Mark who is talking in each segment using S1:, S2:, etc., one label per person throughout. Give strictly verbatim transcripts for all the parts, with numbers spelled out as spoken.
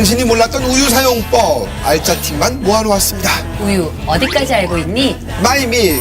S1: 당신이 몰랐던 우유 사용법 알짜 팁만 모아놓았습니다.
S2: 우유 어디까지 알고 있니?
S1: 마이밀크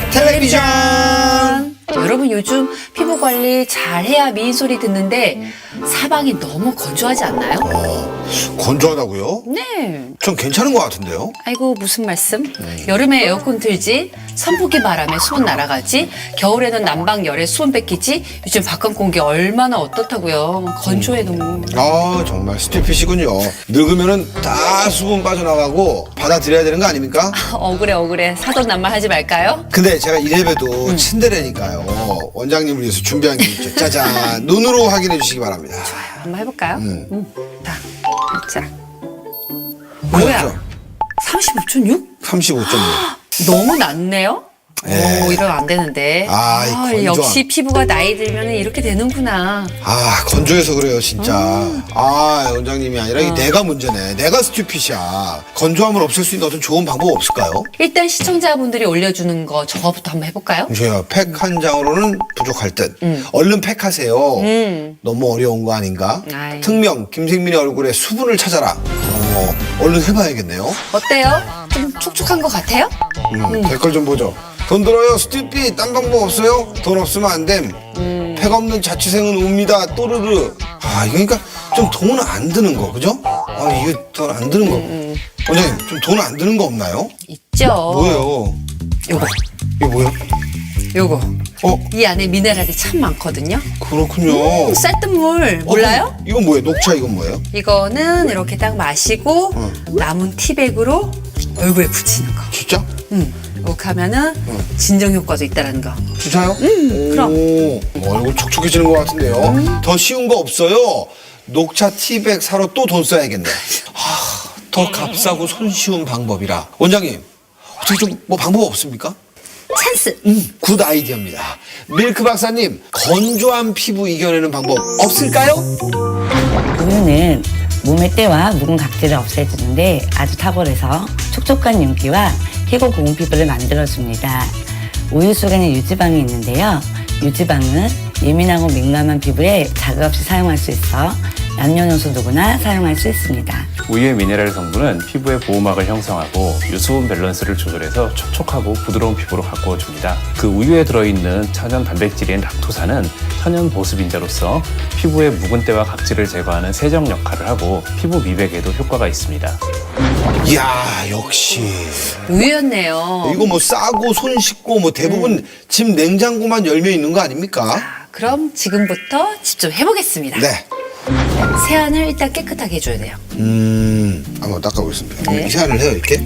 S1: 텔레비전.
S2: 여러분 요즘 피부 관리 잘해야 미인 소리 듣는데 사방이 너무 건조하지 않나요?
S1: 어, 건조하다고요?
S2: 네.
S1: 전 괜찮은 것 같은데요.
S2: 아이고 무슨 말씀? 여름에 에어컨 틀지, 선풍기 바람에 수분 날아가지, 겨울에는 난방 열에 수분 뺏기지. 요즘 바깥 공기 얼마나 어떻다고요? 건조해 너무.
S1: 아 정말 스티피시군요. 늙으면은 다 수분 빠져나가고 받아들여야 되는 거 아닙니까?
S2: 억울해 억울해. 사돈 낱말 하지 말까요?
S1: 근데 제가 이래봬도 친데레니까요. 원장님을 위해서 준비한 게 있죠. 짜잔. 눈으로 확인해 주시기 바랍니다.
S2: 한번 해볼까요? 음. 자, 자.
S1: 뭐야?
S2: 뭐야? 삼십오 점 육?
S1: 삼십오 점 육.
S2: 너무 낮네요?
S1: 예.
S2: 오, 이러면 안 되는데.
S1: 아, 이 건조한-
S2: 역시 피부가 나이 들면 이렇게 되는구나.
S1: 아 건조해서 그래요 진짜. 아 원장님이 아니라 이게 내가 문제네. 내가 스튜핏이야. 건조함을 없앨 수 있는 어떤 좋은 방법 없을까요?
S2: 일단 시청자분들이 올려주는 거 저거부터 한번 해볼까요?
S1: 저요 팩 한 장으로는 부족할 듯. 얼른 팩하세요.
S2: 음.
S1: 너무 어려운 거 아닌가?
S2: 아이.
S1: 특명 김생민의 얼굴에 수분을 찾아라. 어, 얼른 해봐야겠네요.
S2: 어때요? 좀 촉촉한 것 같아요?
S1: 음, 댓글 좀 보죠. 돈 들어요 스튜핏. 딴 방법 없어요? 돈 없으면 안 됨. 팩 없는 자취생은 웁니다. 또르르. 아 이거 그러니까 좀 돈 안 드는 거 그죠? 아 이게 돈 안 드는 거. 원장님 좀 돈 안 드는 거 없나요?
S2: 있죠.
S1: 뭐예요?
S2: 요거,
S1: 이게 뭐예요?
S2: 요거.
S1: 어
S2: 이 안에 미네랄이 참 많거든요.
S1: 그렇군요.
S2: 음, 쌀뜨물 몰라요?
S1: 어, 이건 뭐예요? 녹차 이건 뭐예요?
S2: 이거는 이렇게 딱 마시고 남은 티백으로 얼굴에 붙이는 거.
S1: 진짜?
S2: 음, 이렇게 하면은 진정 효과도 있다라는 거.
S1: 진짜요?
S2: 음, 그럼.
S1: 오, 어, 얼굴 촉촉해지는 것 같은데요. 더 쉬운 거 없어요? 녹차 티백 사러 또 돈 써야겠네. 하, 더 값싸고 손쉬운 방법이라. 원장님, 어떻게 좀 뭐 방법 없습니까?
S2: 찬스.
S1: 음, 굿 아이디어입니다. 밀크 박사님, 건조한 피부 이겨내는 방법 없을까요?
S3: 우유는 몸의 때와 묵은 각질을 없애주는데 아주 탁월해서 촉촉한 윤기와 피고 고운 피부를 만들어줍니다. 우유 속에는 유지방이 있는데요. 유지방은 예민하고 민감한 피부에 자극 없이 사용할 수 있어 남녀노소 누구나 사용할 수 있습니다.
S4: 우유의 미네랄 성분은 피부의 보호막을 형성하고 유수분 밸런스를 조절해서 촉촉하고 부드러운 피부로 가꾸어줍니다. 그 우유에 들어있는 천연 단백질인 락토산은 천연 보습인자로서 피부의 묵은 때와 각질을 제거하는 세정 역할을 하고 피부 미백에도 효과가 있습니다.
S1: 이야, 역시.
S2: 우유였네요.
S1: 이거 뭐 싸고 손 씻고 뭐 대부분 집 냉장고만 열려 있는 거 아닙니까?
S2: 자, 그럼 지금부터 직접 해보겠습니다.
S1: 네.
S2: 세안을 일단 깨끗하게 해줘야 돼요.
S1: 음, 한번 닦아보겠습니다.
S2: 네.
S1: 이 세안을 해요, 이렇게.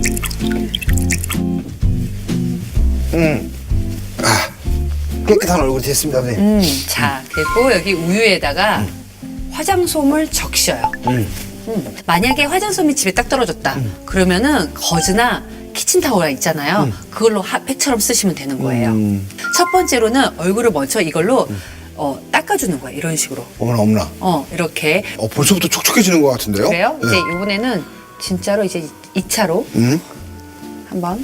S1: 음. 아, 깨끗한 얼굴이 됐습니다, 선생님.
S2: 음, 자, 그리고 여기 우유에다가 화장솜을 적셔요. 음, 만약에 화장솜이 집에 딱 떨어졌다. 그러면은 거즈나 키친타올 있잖아요. 그걸로 핫팩처럼 쓰시면 되는 거예요.
S1: 음.
S2: 첫 번째로는 얼굴을 먼저 이걸로 어, 닦아주는 거예요. 이런 식으로.
S1: 어머나, 어머나.
S2: 어, 이렇게.
S1: 어, 벌써부터 촉촉해지는 것 같은데요?
S2: 그래요?
S1: 네.
S2: 이제 이번에는 진짜로 이제 이 차로
S1: 음?
S2: 한번.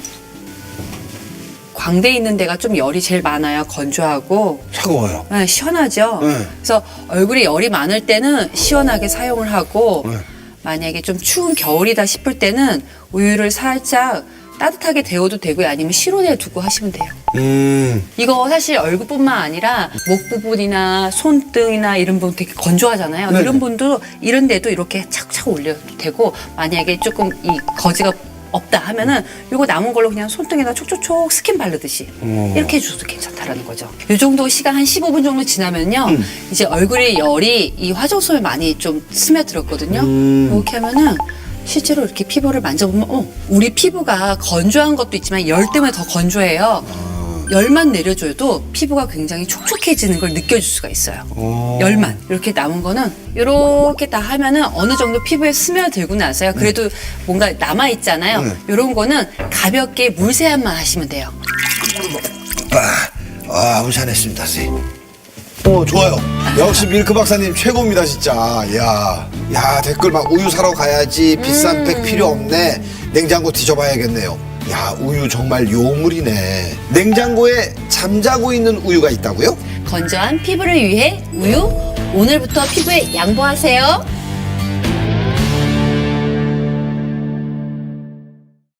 S2: 광대에 있는 데가 좀 열이 제일 많아요. 건조하고.
S1: 차가워요.
S2: 네, 시원하죠?
S1: 네.
S2: 그래서 얼굴에 열이 많을 때는 시원하게 사용을 하고
S1: 네.
S2: 만약에 좀 추운 겨울이다 싶을 때는 우유를 살짝 따뜻하게 데워도 되고요. 아니면 실온에 두고 하시면 돼요.
S1: 음.
S2: 이거 사실 얼굴뿐만 아니라 목 부분이나 손등이나 이런 부분 되게 건조하잖아요.
S1: 네네.
S2: 이런 분도 이런 데도 이렇게 착착 올려도 되고 만약에 조금 이 거지가 없다 하면은 요거 남은 걸로 그냥 손등에다 촉촉촉 스킨 바르듯이
S1: 어.
S2: 이렇게 해줘도 괜찮다라는 거죠. 요 정도 시간 한 십오 분 정도 지나면요.
S1: 음.
S2: 이제 얼굴에 열이 이 화장솜에 많이 좀 스며들었거든요.
S1: 음.
S2: 이렇게 하면은 실제로 이렇게 피부를 만져보면 어, 우리 피부가 건조한 것도 있지만 열 때문에 더 건조해요. 열만 내려줘도 피부가 굉장히 촉촉해지는 걸 느껴줄 수가 있어요.
S1: 어.
S2: 열만 이렇게 남은 거는 이렇게 다 하면은 어느 정도 피부에 스며들고 나서요. 그래도 뭔가 남아 있잖아요.
S1: 네.
S2: 이런 거는 가볍게 물 세안만 하시면 돼요.
S1: 아, 아, 무시안했습니다, 선생님. 어, 좋아요. 역시 밀크 박사님 최고입니다, 진짜. 야, 야, 댓글 막 우유 사러 가야지. 비싼 팩 필요 없네. 냉장고 뒤져봐야겠네요. 야, 우유 정말 요물이네. 냉장고에 잠자고 있는 우유가 있다고요?
S2: 건조한 피부를 위해 우유 오늘부터 피부에 양보하세요.